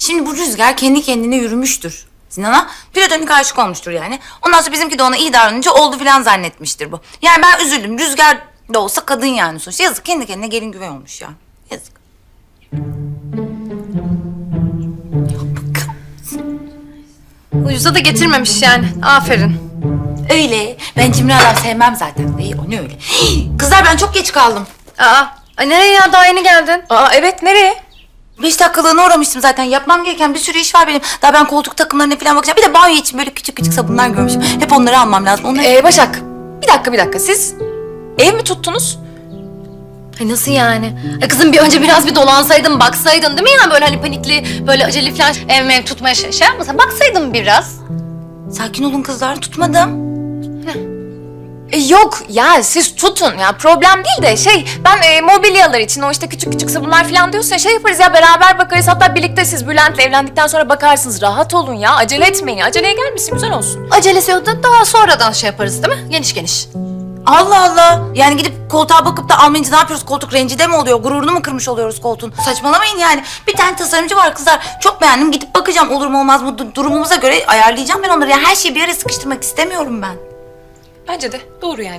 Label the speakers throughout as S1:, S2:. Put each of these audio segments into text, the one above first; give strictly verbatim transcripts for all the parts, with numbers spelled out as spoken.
S1: Şimdi bu Rüzgar kendi kendine yürümüştür Sinan'a. Platonik aşık olmuştur yani. Ondan sonra bizimki de ona iyi davranınca oldu filan zannetmiştir bu. Yani ben üzüldüm. Rüzgar da olsa kadın yani sonuçta. Yazık, kendi kendine gelin güvey olmuş ya. Yazık.
S2: Ucuza da getirmemiş yani. Aferin.
S1: Öyle. Ben cimri adam sevmem zaten. İyi, o ne öyle. Kızlar ben çok geç kaldım.
S2: Aa, ay nereye ya? Daha yeni geldin.
S3: Aa evet, nereye?
S1: Beş dakikalığına uğramıştım zaten. Yapmam gereken bir sürü iş var benim. Daha ben koltuk takımlarına falan bakacağım. Bir de banyo için böyle küçük küçük sabunlar görmüşüm. Hep onları almam lazım. Onları...
S3: Ee, Başak, bir dakika bir dakika. Siz ev mi tuttunuz?
S2: Ay nasıl yani? Ay kızım bir önce biraz bir dolansaydın, baksaydın değil mi yani? Böyle hani panikli, böyle acele falan ev mev tutmaya şey, şey yapmasan. Baksaydın biraz.
S1: Sakin olun kızlar. Tutmadım.
S3: E, yok ya, siz tutun ya, problem değil de şey, ben e, mobilyalar için o işte küçük küçük sabunlar falan diyorsa şey yaparız ya, beraber bakarız, hatta birlikte siz Bülent'le evlendikten sonra bakarsınız. Rahat olun ya, acele etmeyin, aceleye gelmesin, güzel olsun.
S2: Acelesi yok da daha sonradan şey yaparız değil mi? Geniş geniş.
S1: Allah Allah. Yani gidip koltuğa bakıp da almayınca ne yapıyoruz? Koltuk rencide mi oluyor? Gururunu mu kırmış oluyoruz koltuğun? Saçmalamayın yani. Bir tane tasarımcı var kızlar. Çok beğendim. Gidip bakacağım. Olur mu olmaz mı? Du- Durumumuza göre ayarlayacağım ben onları. Yani her şeyi bir araya sıkıştırmak istemiyorum ben.
S3: Bence de doğru yani.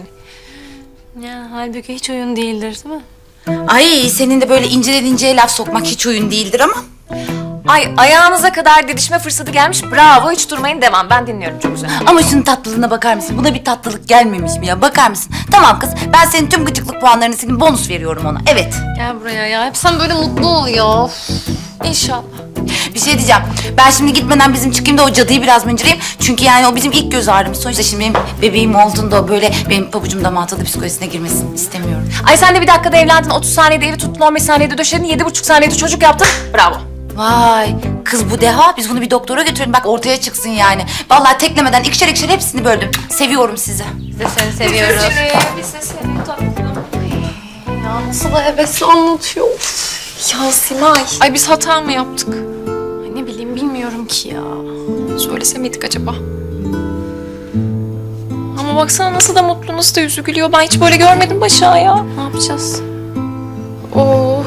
S2: Ya halbuki hiç oyun değildir değil mi?
S1: Ay senin de böyle inceden inceye laf sokmak hiç oyun değildir ama.
S3: Ay, ayağınıza kadar didişme fırsatı gelmiş, bravo, hiç durmayın, devam, ben dinliyorum, çok güzel.
S1: Ama şunun tatlılığına bakar mısın? Buna bir tatlılık gelmemiş mi ya? Bakar mısın? Tamam kız, ben senin tüm gıcıklık puanlarını silip bonus veriyorum ona. Evet.
S2: Gel buraya ya. Hep sen böyle mutlu ol ya.
S3: İnşallah.
S1: Bir şey diyeceğim. Ben şimdi gitmeden bizim çıkayım da o cadıyı biraz mıncırayım. Çünkü yani o bizim ilk göz ağrımız. Sonuçta şimdi benim bebeğim olduğunda o böyle benim pabucum dama atıldı psikolojisine girmesin istemiyorum.
S3: Ay sen de bir dakikada evlendin, otuz saniyede evi tuttun, on beş saniyede döşedin, yedi buçuk saniyede çocuk yaptın, bravo.
S1: Vay kız bu deha. Biz bunu bir doktora götürelim bak ortaya çıksın yani. Vallahi teklemeden ikişer ikişer hepsini böldüm. Seviyorum sizi.
S2: Biz de seni seviyoruz.
S3: Biz de seni tatlım.
S2: Ya nasıl da hevesli anlatıyor.
S3: Ya Simay. Ay biz hata mı yaptık?
S2: Ay ne bileyim bilmiyorum ki ya.
S3: Söylese miydik acaba? Ama baksana nasıl da mutlu, nasıl da yüzü gülüyor. Ben hiç böyle görmedim Başak'ı ya.
S2: Ne yapacağız?
S3: Of.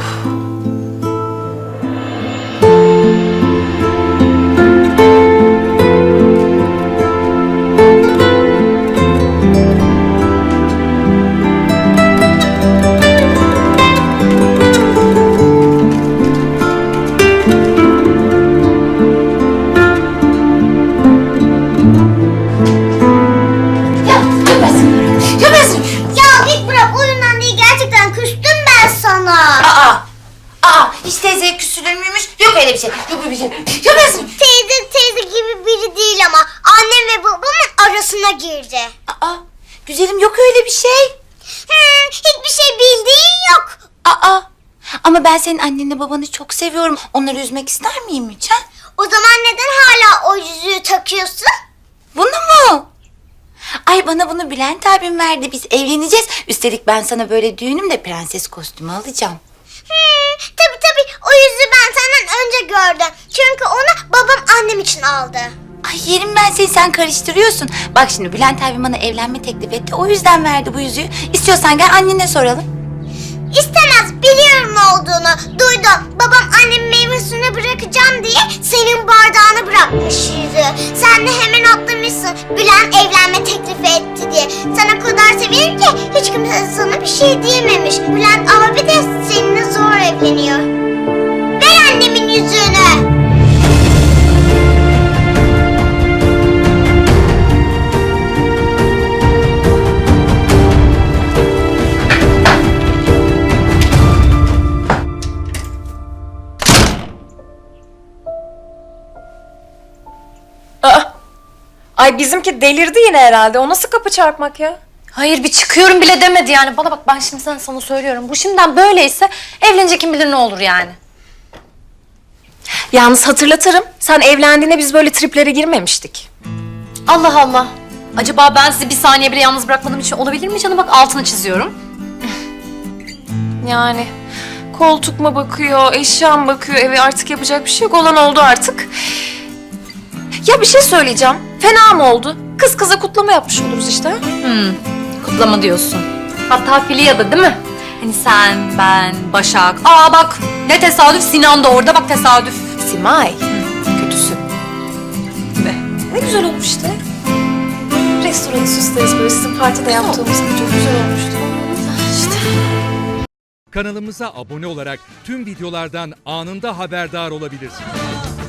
S4: Ya git bırak, oyundan değil, gerçekten küstüm ben sana.
S1: Aa! Aa! Hiç teyzeye küsülür müymüş? Yok öyle bir şey. Yok öyle bir şey. Yapıyorsun.
S4: Teyze teyze gibi biri değil ama annem ve babamın arasına girdi.
S1: Aa! Güzelim yok öyle bir şey.
S4: Hmm, hiçbir şey bildiğin yok.
S1: Aa! Ama ben senin annenle babanı çok seviyorum. Onları üzmek ister miyim hiç ha?
S4: O zaman neden hala o yüzüğü takıyorsun?
S1: Bunu mu? Ay bana bunu Bülent abim verdi. Biz evleneceğiz. Üstelik ben sana böyle düğünümde prenses kostümü alacağım.
S4: Hmm, tabii tabii, o yüzüğü ben senden önce gördüm. Çünkü onu babam annem için aldı.
S1: Ay yerim ben seni, sen karıştırıyorsun. Bak şimdi Bülent abim bana evlenme teklif etti. O yüzden verdi bu yüzüğü. İstiyorsan gel annene soralım.
S4: İstemez, biliyorum ne olduğunu. Duydum, babam annemin meyve suyunu bırakacağım diye senin bardağını bırakmış yüzüğü. Sen de hemen atlamışsın, Bülent evlenme teklifi etti diye. Sen o kadar seviyorum ki hiç kimse sana bir şey diyememiş. Bülent abi de seninle zor evleniyor. Ver annemin yüzüğünü.
S3: Aa. Ay bizimki delirdi yine herhalde. O nasıl kapı çarpmak ya?
S2: Hayır bir çıkıyorum bile demedi yani. Bana bak ben şimdi sen sana söylüyorum. Bu şimdiden böyleyse evlenecek kim bilir ne olur yani.
S3: Yalnız hatırlatırım. Sen evlendiğinde biz böyle triplere girmemiştik.
S2: Allah Allah. Acaba ben sizi bir saniye bile yalnız bırakmadığım için olabilir mi canım? Bak altını çiziyorum.
S3: Yani koltuk mu bakıyor, eşya mı bakıyor, eve artık yapacak bir şey yok. Olan oldu artık. Ya bir şey söyleyeceğim. Fena mı oldu? Kız kıza kutlama yapmış oluruz işte.
S2: Hmm, kutlama diyorsun. Hatta Filya'da değil mi? Hani sen, ben, Başak. Aa bak ne tesadüf, Sinan da orada, bak tesadüf.
S3: Simay, Ne güzel olmuş işte. Restoranı süsleriz böyle sizin partide yaptığımız gibi. Çok güzel olmuştu. İşte.
S5: Kanalımıza abone olarak tüm videolardan anında haberdar olabilirsiniz.